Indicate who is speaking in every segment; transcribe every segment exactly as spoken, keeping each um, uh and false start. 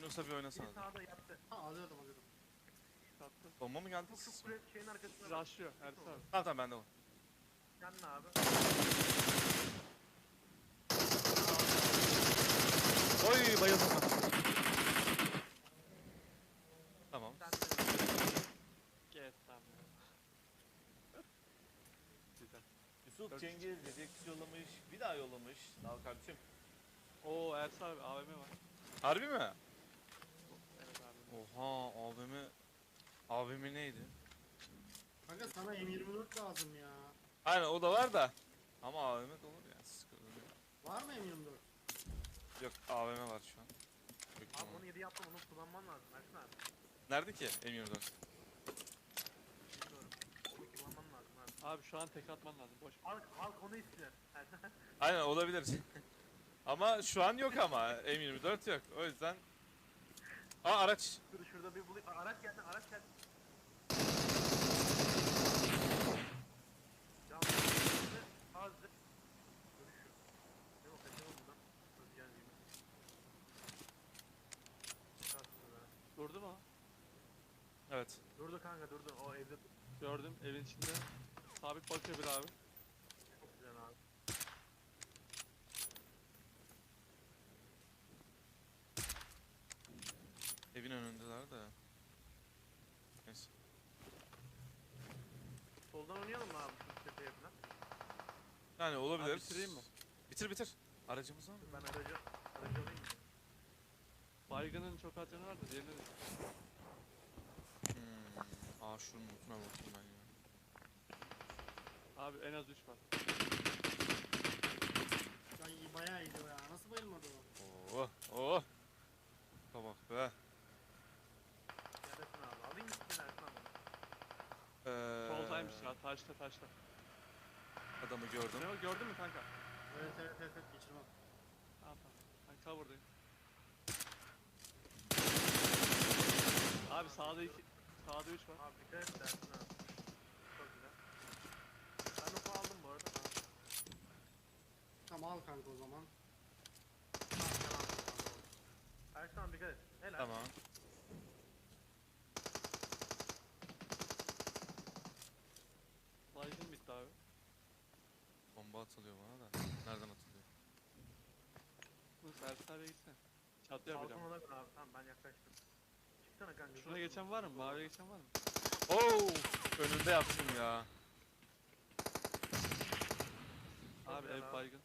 Speaker 1: Yunus'a bir oynasana.
Speaker 2: Biri sağda yattı.
Speaker 3: Ha alıyordum alıyordum.
Speaker 4: Kattı.
Speaker 1: Bomba mı geldi?
Speaker 2: Şu şu kule şeyin arkasına.
Speaker 4: Rushlıyor Ersin abi.
Speaker 1: Tamam tamam bende o.
Speaker 2: Yanına abi.
Speaker 1: Oy bayıldım ben. Tamam.
Speaker 2: Sen de.
Speaker 4: Get tamam. Güzel.
Speaker 1: Yusuf Cengiz Redix yollamış. Bir daha yollamış. Sağ ol kardeşim.
Speaker 4: Oo Ersin abi A V M var.
Speaker 1: Harbi mi?
Speaker 4: Evet abi.
Speaker 1: Oha A V M. A V M neydi?
Speaker 3: Kanka sana M yirmi dört lazım ya.
Speaker 1: Aynen o da var da. Ama A V M de olur ya. Sıkıntı yok.
Speaker 3: Var mı M yirmi dört?
Speaker 1: Yok A V M var şu an. Yok,
Speaker 2: Abi
Speaker 1: tamam.
Speaker 2: onu yedi yaptım, onu kullanman lazım Ersin abi.
Speaker 1: Nerede ki M yirmi dört?
Speaker 2: Bilmiyorum. Onu kullanman lazım abi.
Speaker 4: Abi şu an tek atman lazım. Boş.
Speaker 2: Halk, halk onu istiyor.
Speaker 1: Aynen olabilir. Ama şu an yok ama M yirmi dört yok. O yüzden. Aa araç.
Speaker 2: Dur şurada bir bulayım. Aa, araç geldi, araç geldi. Ya azdı. Görüşüyor. Ne o kaçalım buradan. Özgen gibi. Çıkarsın be.
Speaker 4: Durdu mu?
Speaker 1: Evet.
Speaker 2: Durdu kanka durdu. O evde
Speaker 4: Gördüm evin içinde. Sabit bakıyor bir abi.
Speaker 2: çok güzel abi.
Speaker 1: Evin önündeler de. Neyse.
Speaker 2: Soldan oynayalım mı abi şu tepeye falan?
Speaker 1: Yani olabilir.
Speaker 4: Abi bitireyim mi?
Speaker 1: Bitir bitir. Aracımız var mı?
Speaker 2: Ben aracı, aracı alayım mı?
Speaker 4: Baygının çok az canı var da diğerine de.
Speaker 1: Hmm. Aa şunun notuna bakayım ben ya.
Speaker 4: Abi en az üç var.
Speaker 3: Ya iyi bayağı iyiydi o ya. Nasıl bayılmadı o?
Speaker 1: Oh oh. Bak be.
Speaker 2: Neredesin abi? Alayım mı seni Ersin abi?
Speaker 1: Ee,
Speaker 4: Soldaymış ya taşta taşta.
Speaker 1: Adamı gördüm.
Speaker 4: Ne o gördün mü kanka?
Speaker 3: Evet evet evet, evet geçirmem.
Speaker 4: Tamam tamam. Ben cover'dayım. Abi sağda iki, sağda üç var.
Speaker 2: Abi dikkat et Ersin abi. Çok güzel. Ben oku aldım bu arada. Abi.
Speaker 3: Tamam al kanka o zaman.
Speaker 2: Tamam, tamam, tamam. Ersin abi dikkat et. Helal.
Speaker 1: Tamam.
Speaker 4: Baygın bitti abi.
Speaker 1: Bomba atılıyor bana da. Nereden atılıyor?
Speaker 4: Bu Ersin abiye gitsene. Çatı yapacağım.
Speaker 2: Balkona da abi. Tamam ben yaklaştım. Çıksana kanka.
Speaker 4: Şuna geçen var mı? Maviye geçen var mı?
Speaker 1: Oo! Önünde yaptım ya.
Speaker 4: Abi
Speaker 2: güzel
Speaker 4: ev
Speaker 2: abi.
Speaker 4: baygın.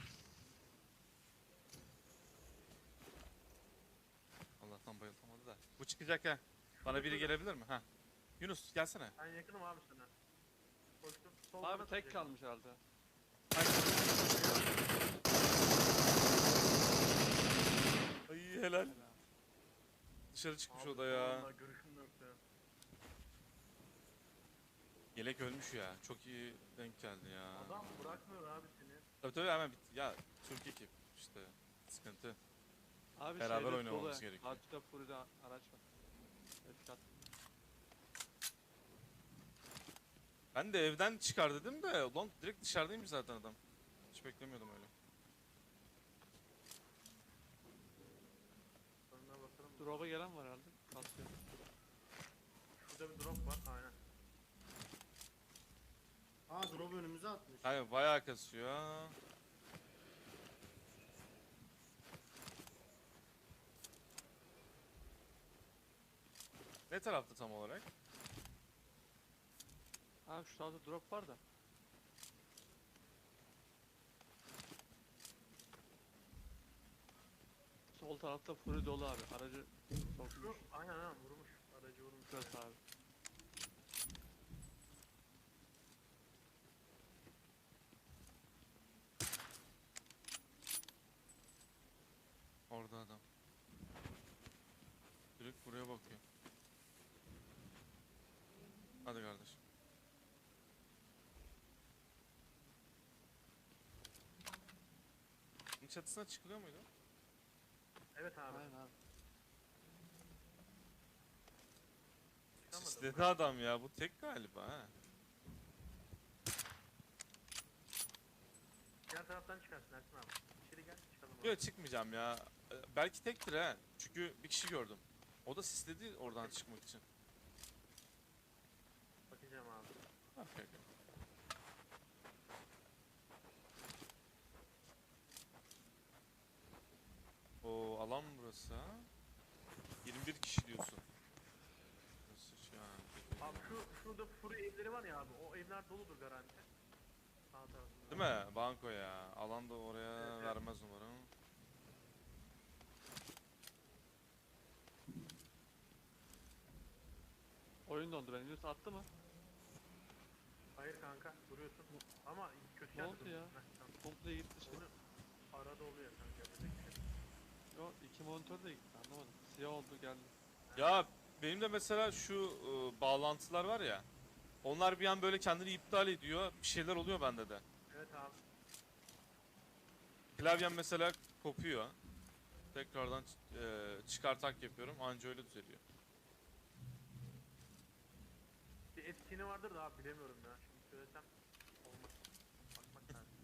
Speaker 1: Allah'tan bayıltamadı da. Bu çıkacak ha. Bana biri gelebilir mi? Ha. Yunus gelsene.
Speaker 2: Ben yakınım abi sana. Koştum. Soldan
Speaker 4: Abi tek
Speaker 2: atacak.
Speaker 4: kalmış herhalde.
Speaker 1: Ay helal.
Speaker 4: Helal.
Speaker 1: Dışarı çıkmış
Speaker 2: Abi,
Speaker 1: o da ya.
Speaker 2: vallahi görüşüm yoktu.
Speaker 1: Yelek ölmüş ya. Çok iyi denk geldi ya.
Speaker 2: Adam bırakmıyor abi seni.
Speaker 1: Tabii tabii hemen bitti. Ya Türk ekip işte. Sıkıntı.
Speaker 4: Abi
Speaker 1: Beraber
Speaker 4: şeyde
Speaker 1: oynamamız
Speaker 4: dolu.
Speaker 1: gerekiyor.
Speaker 4: Karşıda Furi'de araç var. Etkat.
Speaker 1: Ben de evden çıkar dedim de ulan direkt dışarıdaymış zaten adam. Hiç beklemiyordum öyle.
Speaker 2: Önüne bakalım.
Speaker 4: Drop'a gelen var herhalde. Kasıyor.
Speaker 2: Şurada bir drop var. Aynen.
Speaker 3: Aa drop önümüze atmış.
Speaker 1: Hayır bayağı kasıyor. Ne tarafta tam olarak?
Speaker 4: Abi şu tarafta drop var da. Sol tarafta Fury dolu abi. Aracı sokmuş.
Speaker 2: Şu, aynen aynen vurmuş. Aracı vurmuş.
Speaker 4: Şurası abi.
Speaker 1: Orada adam. Direkt buraya bakıyor. Hadi kardeşim. Bunun çatısına çıkılıyor muydu?
Speaker 2: Evet abi.
Speaker 4: Aynen abi.
Speaker 2: Çıkamadım.
Speaker 1: İstedi adam ya. Bu tek galiba ha.
Speaker 2: Diğer taraftan çıkarsın Ersin abi. İçeri gel çıkalım abi.
Speaker 1: Yok çıkmayacağım ya. belki tektir ha. Çünkü bir kişi gördüm. O da sisledi oradan çıkmak için.
Speaker 2: Bakacağım abi.
Speaker 1: Okey, okey. O alan burası ha. yirmi bir kişi diyorsun. Burası şu an.
Speaker 2: Abi şu şurada furu evleri var ya abi. O evler doludur garanti. Sağ tarafında.
Speaker 1: Değil mi? Banko ya. Alan da oraya
Speaker 2: Evet, evet.
Speaker 1: vermez umarım.
Speaker 4: Oyun dondu benim. Yunus attı mı?
Speaker 2: Hayır kanka duruyorsun. Ama kötü
Speaker 4: Ne
Speaker 2: yerde
Speaker 4: oldu ya?
Speaker 2: duruyorsun. Heh, tamam.
Speaker 4: Komple gitti şey.
Speaker 2: Onu arada oluyor kanka. yapacak bir şey yok.
Speaker 4: Yo iki monitör de gitti anlamadım. Siyah oldu geldi.
Speaker 1: Ya benim de mesela şu e, bağlantılar var ya. Onlar bir an böyle kendini iptal ediyor. Bir şeyler oluyor bende de.
Speaker 2: Evet abi.
Speaker 1: Klavyem mesela kopuyor. Tekrardan e, çıkartak yapıyorum. Anca öyle düzeliyor.
Speaker 2: Bir etkinliği vardır da abi bilemiyorum ya. Şimdi söylesem olmaz. Bakmak lazım.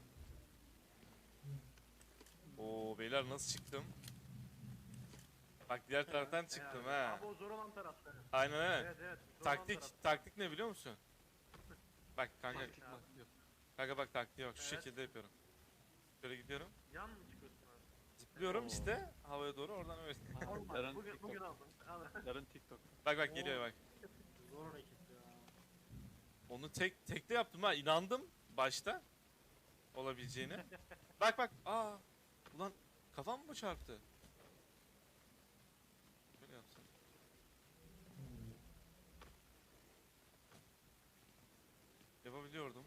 Speaker 1: Oo beyler nasıl çıktım? Bak diğer taraftan çıktım
Speaker 2: Helal.
Speaker 1: ha.
Speaker 2: Abi o zor olan tarafları.
Speaker 1: Aynen aynen.
Speaker 2: Evet evet. Zor olan
Speaker 1: Taktik,
Speaker 2: taraf.
Speaker 1: taktik ne biliyor musun? Bak kanka,
Speaker 4: Taktik
Speaker 2: abi.
Speaker 4: maktik yok.
Speaker 1: kanka bak taktiğe bak şu
Speaker 2: Evet.
Speaker 1: şekilde yapıyorum. Şöyle gidiyorum.
Speaker 2: Yan mı çıkıyorsun abi?
Speaker 1: Zıplıyorum
Speaker 4: Oo.
Speaker 1: işte havaya doğru oradan öyle.
Speaker 4: Aha,
Speaker 2: Olmaz.
Speaker 4: Yarın
Speaker 2: Bugün, bugün
Speaker 4: TikTok.
Speaker 2: aldın. Al.
Speaker 4: Yarın TikTok.
Speaker 1: Bak bak geliyor bak.
Speaker 3: Zor hareket ya.
Speaker 1: Onu tek tekte yaptım ha inandım başta olabileceğine. Bak bak aa ulan kafam mı çarptı? Şöyle yapsam. Yapabiliyordum.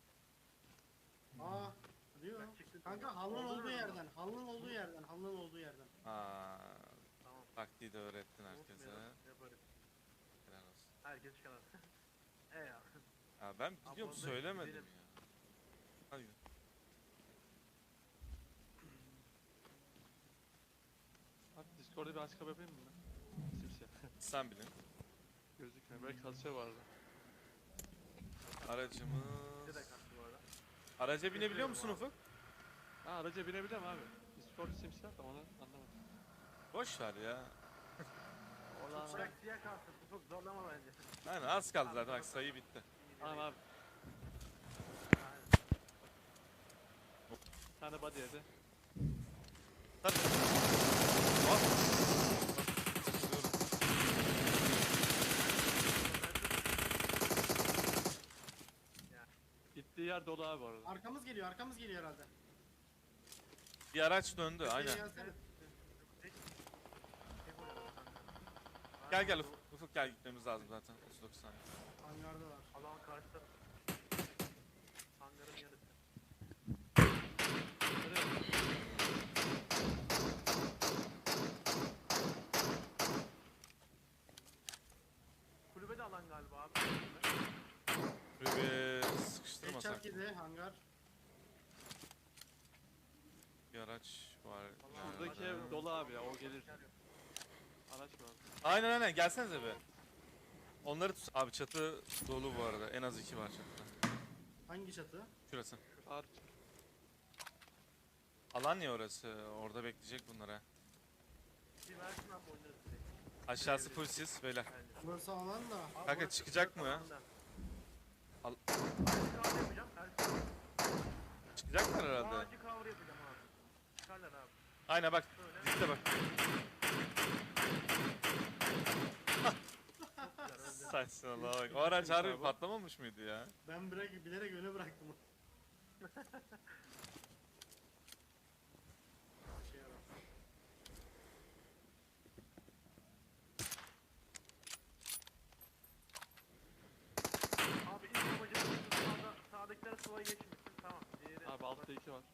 Speaker 3: Aa diyor.
Speaker 2: Ben çıktım.
Speaker 3: Kanka halının
Speaker 2: Oldu
Speaker 3: olduğu
Speaker 2: mu?
Speaker 3: yerden. Halının olduğu yerden. Halının olduğu yerden.
Speaker 1: Aa
Speaker 2: Tamam.
Speaker 1: taktiği de öğrettin herkese.
Speaker 2: Unutmayalım, Yaparız.
Speaker 1: Helal olsun.
Speaker 2: Herkes çıkar. E ya.
Speaker 1: Ha, ben biliyorum
Speaker 2: Abla,
Speaker 1: söylemedim
Speaker 2: gidelim.
Speaker 1: ya. Hadi gidelim.
Speaker 4: Abi Discord'da bir açıklama yapayım mı ben? Simsiyah.
Speaker 1: Sen bilin.
Speaker 4: Gözükmüyor. Belki kasıyor vardı.
Speaker 1: Aracımız...
Speaker 2: Bize de kaçtı bu arada.
Speaker 1: Araca binebiliyor musun Ufuk?
Speaker 4: Ha araca binebiliyorum abi. Discord simsiyah da onu anlamadım.
Speaker 1: Boş ver ya.
Speaker 4: Oradan
Speaker 2: Bırak siyah kalsın. Ufuk zorlama bence.
Speaker 1: Aynen az kaldı zaten bak sayı bitti.
Speaker 4: Tamam abi.
Speaker 2: Aynen.
Speaker 4: Bir tane body yedi.
Speaker 1: Hadi. Bak. Zıplıyorum.
Speaker 4: Gittiği yer dolu abi orada.
Speaker 3: Arkamız geliyor. Arkamız geliyor herhalde.
Speaker 1: Bir araç döndü
Speaker 3: Köşeye
Speaker 1: aynen.
Speaker 3: gelsene.
Speaker 2: Tek- tek oynadım kanka.
Speaker 1: Gel gel Ufuk, Ufuk gel gitmemiz lazım zaten otuz dokuz saniye.
Speaker 3: Hangardalar.
Speaker 2: Alan karşıda. Hangarın yarısı. Kulübe de alan galiba abi.
Speaker 1: Şöyle bir sıkıştırmasak.
Speaker 3: Headshot yedi hangar.
Speaker 1: Bir araç var.
Speaker 2: Vallahi
Speaker 4: Buradaki
Speaker 1: nerede?
Speaker 4: ev dolu abi ya o gelir. Araç var.
Speaker 1: Aynen aynen gelsenize be. Onları tut. Abi çatı dolu bu arada. En az iki var çatıda.
Speaker 3: Hangi çatı?
Speaker 1: Şurası.
Speaker 4: Ar
Speaker 1: Alan ya orası. Orada bekleyecek bunlara.
Speaker 2: Bir versin abi oynarız direkt.
Speaker 1: Aşağısı full sis beyler.
Speaker 2: Bence.
Speaker 3: Burası alan da.
Speaker 2: Abi
Speaker 1: Kanka
Speaker 2: burası-
Speaker 1: çıkacak
Speaker 2: burası
Speaker 1: mı ya?
Speaker 2: alanda.
Speaker 1: Al.
Speaker 2: Ağacı cover yapacağım. Ağacı-
Speaker 1: Çıkacaklar herhalde.
Speaker 2: Ağacı cover yapacağım abi. Çıkarlar abi.
Speaker 1: Aynen bak.
Speaker 2: Şöyle.
Speaker 1: Dikte bak.
Speaker 2: Güzel, öldü.
Speaker 1: Saçmalama bak. O araç harbi patlamamış mıydı ya?
Speaker 3: Ben bırak, bilerek öne bıraktım. Şey ara.
Speaker 2: Abi ilk amacımız sağda, sağdakiler suvaya geçmesin. Tamam. Diğeri
Speaker 4: abi altta iki var.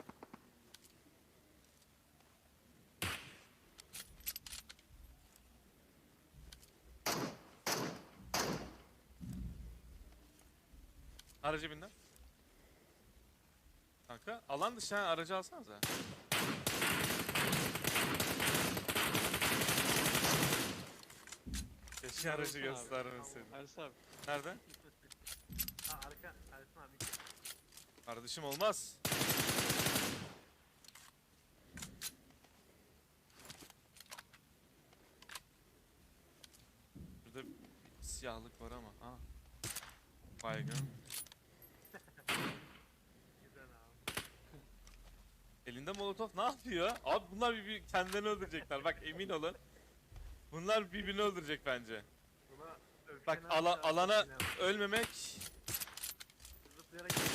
Speaker 1: Aracı bin lan. Kanka alan dışı ha aracı alsanıza. Keşke aracı
Speaker 4: Baksana abi.
Speaker 1: göstermeseydin.
Speaker 4: Ersin abi.
Speaker 1: Nerede?
Speaker 2: Ha arka. Ersin abi.
Speaker 1: Kardeşim olmaz. siyahlık var ama. Ha. Baygın.
Speaker 2: Güzel abi.
Speaker 1: Elinde molotof ne yapıyor? Abi bunlar bir kendilerini öldürecekler. Bak emin olun. Bunlar birbirini öldürecek bence.
Speaker 2: Buna
Speaker 1: Bak
Speaker 2: öfkelen
Speaker 1: ala,
Speaker 2: abi,
Speaker 1: alana
Speaker 2: öfkelen.
Speaker 1: ölmemek.
Speaker 2: Zıplayarak gidiyor.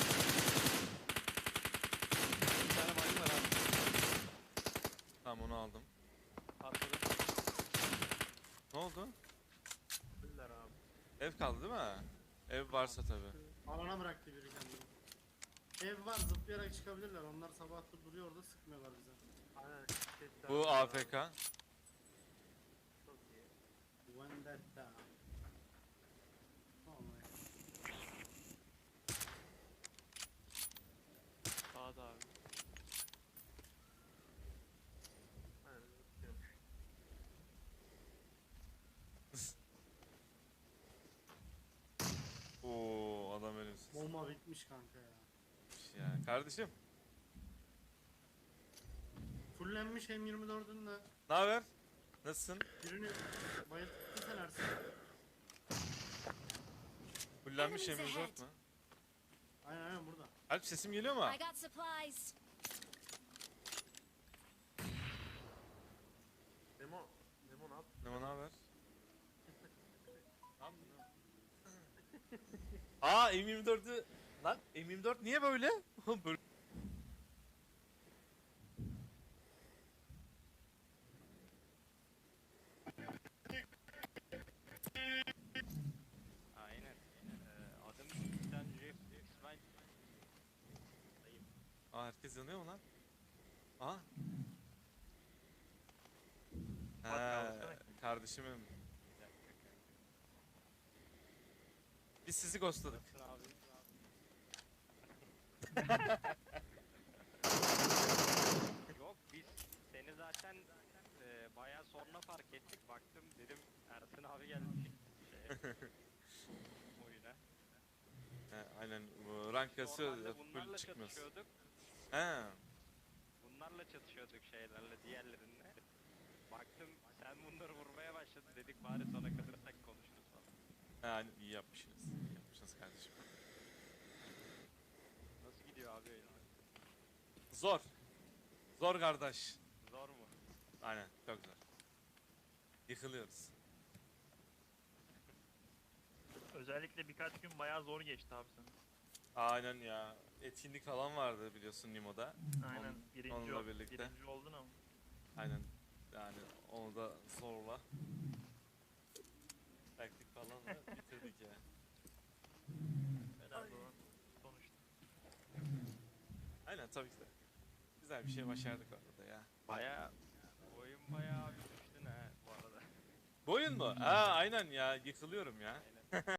Speaker 4: Bir tane baygın var abi.
Speaker 1: Tamam onu aldım.
Speaker 4: Arkada.
Speaker 1: Ne oldu?
Speaker 2: Öldüler abi.
Speaker 1: Ev kaldı değil mi? Ev varsa tabi.
Speaker 3: Alana bıraktı biri kendini. Ev var, zıplayarak çıkabilirler. Onlar sabahtır duruyor orada, sıkmıyorlar bize.
Speaker 2: Aynen. Sesler
Speaker 1: Bu
Speaker 2: var
Speaker 1: A
Speaker 2: abi.
Speaker 1: F K.
Speaker 2: Çok iyi.
Speaker 3: Vendetta. Vallahi.
Speaker 4: Sağda abi.
Speaker 2: Aynen zıplıyormuş.
Speaker 1: Oo adam ölümsüz.
Speaker 3: Bomba bitmiş kanka ya.
Speaker 1: Ya kardeşim.
Speaker 3: Fullenmiş M yirmi dörd'ün de
Speaker 1: Ne haber? Nasılsın?
Speaker 3: birini bayılttıysan Ersin.
Speaker 1: Fullenmiş
Speaker 5: Enemies
Speaker 1: M dört mü?
Speaker 3: Aynen aynen burada.
Speaker 1: Alp sesim geliyor mu?
Speaker 5: I got supplies.
Speaker 2: Memo. Memo ne yap?
Speaker 1: Ne ne haber? Tamam mı? Aa M yirmi dörd'ü lan M yirmi dört niye böyle? Böyle.
Speaker 6: Aynen. Ee, adım Sultan Jeff İsmail.
Speaker 1: Aa herkes yanıyor mu lan? Aa.
Speaker 2: Bak,
Speaker 1: He,
Speaker 2: alsana.
Speaker 1: kardeşimim. Biz sizi ghostladık.
Speaker 6: Nasılsın abi? Yok biz seni zaten e, bayağı sonra fark ettik. Baktım dedim Ersin abi gelmiş. Şey, oyuna.
Speaker 1: He, aynen bu rank kasıyor
Speaker 6: Normalde
Speaker 1: full
Speaker 6: bunlarla
Speaker 1: çıkmıyoruz.
Speaker 6: çatışıyorduk.
Speaker 1: He.
Speaker 6: Bunlarla çatışıyorduk şeylerle, diğerlerinle. Baktım sen bunları vurmaya başladın dedik bari sona kalırsak konuşuruz falan.
Speaker 1: He hani iyi yapmışsınız. İyi yapmışsınız kardeşim.
Speaker 6: Nasıl gidiyor abi oyun?
Speaker 1: Zor. Zor kardeş.
Speaker 6: Zor mu?
Speaker 1: Aynen çok zor. Yıkılıyoruz.
Speaker 7: Özellikle birkaç gün bayağı zor geçti abi sana.
Speaker 1: Aynen ya. Etkinlik falan vardı biliyorsun Nimo'da.
Speaker 7: Aynen.
Speaker 1: Onun-
Speaker 7: birinci,
Speaker 1: onunla
Speaker 7: ol-
Speaker 1: birlikte.
Speaker 7: birinci oldun ama.
Speaker 1: Aynen. Yani onu da zorla. Taktik falan da bitirdik ya.
Speaker 7: Helal olan sonuçta.
Speaker 1: Aynen tabii ki de. Güzel bir şey başardık orada ya.
Speaker 6: Baya oyun bayağı bir düştün ha bu arada.
Speaker 1: Bu oyun mu? Ha aynen ya yıkılıyorum ya.
Speaker 6: Aynen.